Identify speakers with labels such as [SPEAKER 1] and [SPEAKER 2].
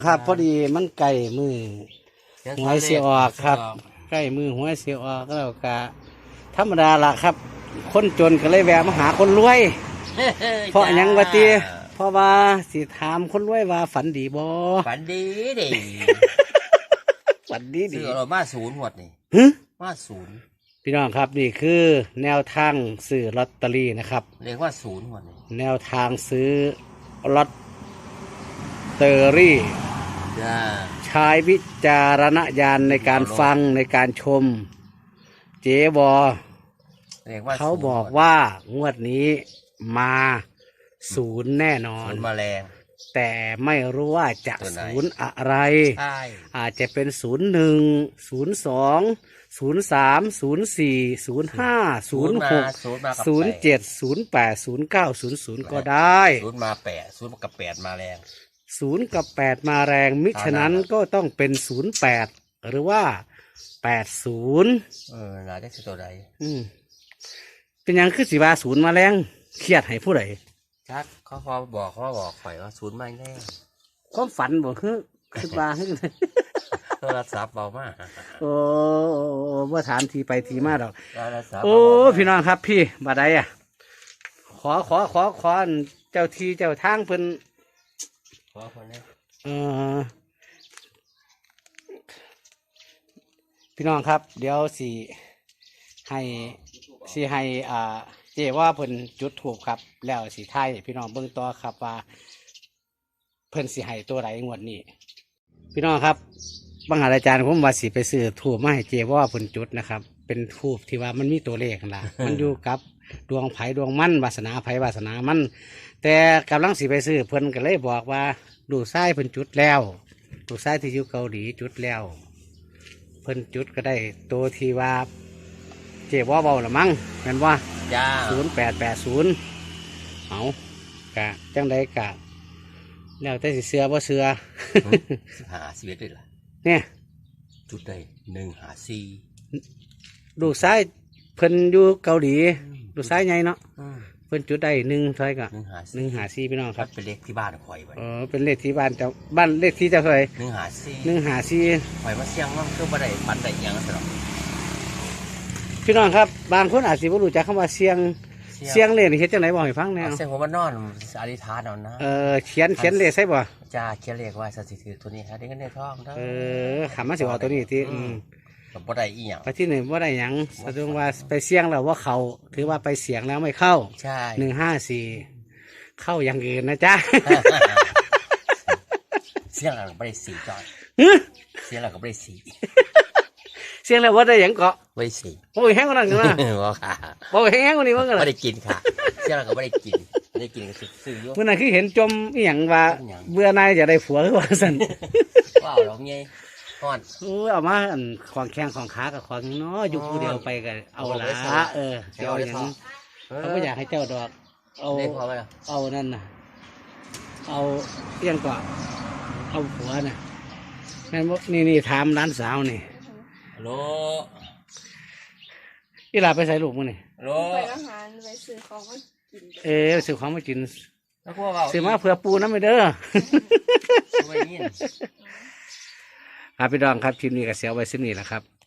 [SPEAKER 1] ครับพอดีมันไก่มือหวยเสียออกครับใกล้มือหวยเสียออกแล้วก็ธรรมดาล่ะครับ คนจนก็เลยแวะมาหาคนรวย เพราะหยังวะตีเพราะว่าสิถามคนรวยว่าฝันดีบ่
[SPEAKER 2] ฝันดีดิ
[SPEAKER 1] ฝันดีดี
[SPEAKER 2] ซื้อเรามาศูนย์หมดนี่มาศูนย์
[SPEAKER 1] พี่น้องครับนี่คือแนวทางซื้อลอตเตอรี่นะครับ
[SPEAKER 2] เรียกว่าศูนย์หมดนี่
[SPEAKER 1] แนวทางซื้อลอตเตอรี่ใช้วิจารณญาณในการฟังในการชมเจ๊บอเขาบอกว่างวดนี้มาศูนย์แน่นอน
[SPEAKER 2] ศูนย์แมลง
[SPEAKER 1] แต่ไม่รู้ว่าจะศูนย์อะไรอาจจะเป็น01 02 03 04 05 06 07 08 09 00ก็ได้
[SPEAKER 2] ศูนย์มา8ศูนย์กับ8มาแรง
[SPEAKER 1] 0กับ8มาแรงมิฉะนั้นก็ต้องเป็น08หรือว่า80
[SPEAKER 2] น่าจะคือตัวใด
[SPEAKER 1] เป็นยังคือสิว่าศูนย์มาแรงเครียดให้ผู้ใด
[SPEAKER 2] ชักเขาบอกข่อยว่าศูนย์มาแน่
[SPEAKER 1] ความฝันบอกคือว่า
[SPEAKER 2] โทรศัพท์เบามาก
[SPEAKER 1] โอ้ว่าถามทีไปทีมาดอกโอ้พี่น้องครับพี่บาดใดอ่ะขอเจ้าทีเจ้าทางเพิ่น
[SPEAKER 2] ขอคนนี้
[SPEAKER 1] พี่น้องครับเดี๋ยวให้เจว่าเพิ่นจุดถูกครับแล้วสีไทยพี่น้องเบิ่งต่อครับว่าเพิ่นสิให้ตัวไหนงวดนี้พี่น้องครับบางอาจารย์ผมว่าสิไปซื้อถูกมาให้เจว่าเพิ่นจุดนะครับเป็นทูบที่ว่ามันมีตัวเลขล่ะ มันอยู่กับดวงไผ่ดวงมันวาสนาไผ่วาสนามันแต่กำลังสิไปซื้อเพิ่นก็เลยบอกว่าดูไส้เพิ่นจุดแล้วดูไส้ที่อยู่เกาหลีจุดแล้วเพิ่นจุดก็ได้ตัวที่ว่าเจ็บว่าเบาหรือมั้งแม่นว่า0880เอากะจังใดกะแล้วแต่สิเสือบ่เสือ
[SPEAKER 2] 11ด้วยล่ะ
[SPEAKER 1] เนี่ย
[SPEAKER 2] จุดใด154
[SPEAKER 1] ดูไส้เพิ่นอยู่เกาหลีดูไส้ใหญ่เนาะเพิ่นจุดได้1เท่าไหร่ก็154พี่น้องครับ
[SPEAKER 2] เป็นเลขที่บ้านข่อย
[SPEAKER 1] เป็นเลขที่บ้านเจ้าบ้านเลขที่เจ้าเท่าไหร่
[SPEAKER 2] 154ข่อยมาเสี่ยงว่าคือบ่ได้ปันได้หยังซะหรอก
[SPEAKER 1] พี่น้องครับบางคนอาจสิบ่รู้จักคำว่าเสียงเลขนี่เฮ็ดจังได๋บอกให้ฟังแน่
[SPEAKER 2] เสียงผมว่านอนอธิษฐานเอานะ
[SPEAKER 1] เขียนเลขใช่บ่
[SPEAKER 2] จ้าเขียนเลขไว้สถิติตัวนี้ครับได้เงินได้ทอง
[SPEAKER 1] คำว่าสิว่าตัวนี้ที่
[SPEAKER 2] บ่ได้อีหยัง
[SPEAKER 1] ไปที่1บ่ได้หยังแสดงว่าไปเสี่ยงแล้วว่าเขาถือว่าไปเสียงแล้วไม่เข้า
[SPEAKER 2] ใช่
[SPEAKER 1] 154เข้าอย่างอื่นนะจ๊ะ
[SPEAKER 2] เสียงแล้วก็บ่ได้สีจอยเสียงแล้วก็บ่ได้สี
[SPEAKER 1] เสียงแล้วว่าได้หยังเกาะ
[SPEAKER 2] ไม่สิ
[SPEAKER 1] โอ้ยแห้งกว่านั้นนะ
[SPEAKER 2] บ่ค่ะ
[SPEAKER 1] บ่แห้งกว่านี้มั้งกัน
[SPEAKER 2] ไม่ได้กินค่ะเสียงแล้วก็ไม่ได้กินก็ซื้ออยู่
[SPEAKER 1] เมื่อนั้นคือเห็นจมอีหยังว่าเบื่อนายจะได้ผัวหรือว่าซั่น
[SPEAKER 2] ว้าวดอกไงฮ้อน
[SPEAKER 1] เอามาของแข้งของขากับของเนาะอยู่ผู้เดียวไปก็เอาละเจ้าหยังเขาบ่อยากให้เจ้าดอกเอานั่นน่ะเอาเอียงก่อนเอาผัวน่ะแม่นบ่นี่ถามร้านสาวนี่
[SPEAKER 2] โล
[SPEAKER 1] อีหลาไปใส่ลูกมึงนี่
[SPEAKER 2] โล
[SPEAKER 3] ไปอาหารไปซื้อของมากิน
[SPEAKER 1] ซื้อของมากิน
[SPEAKER 2] แล้วพวกเรา
[SPEAKER 1] ซื้อมาเผื่อปูน้ำไปเด้อครับพี่ดองครับคลิปนี้ก็เสียไว้สิ้นนี้แหละครับ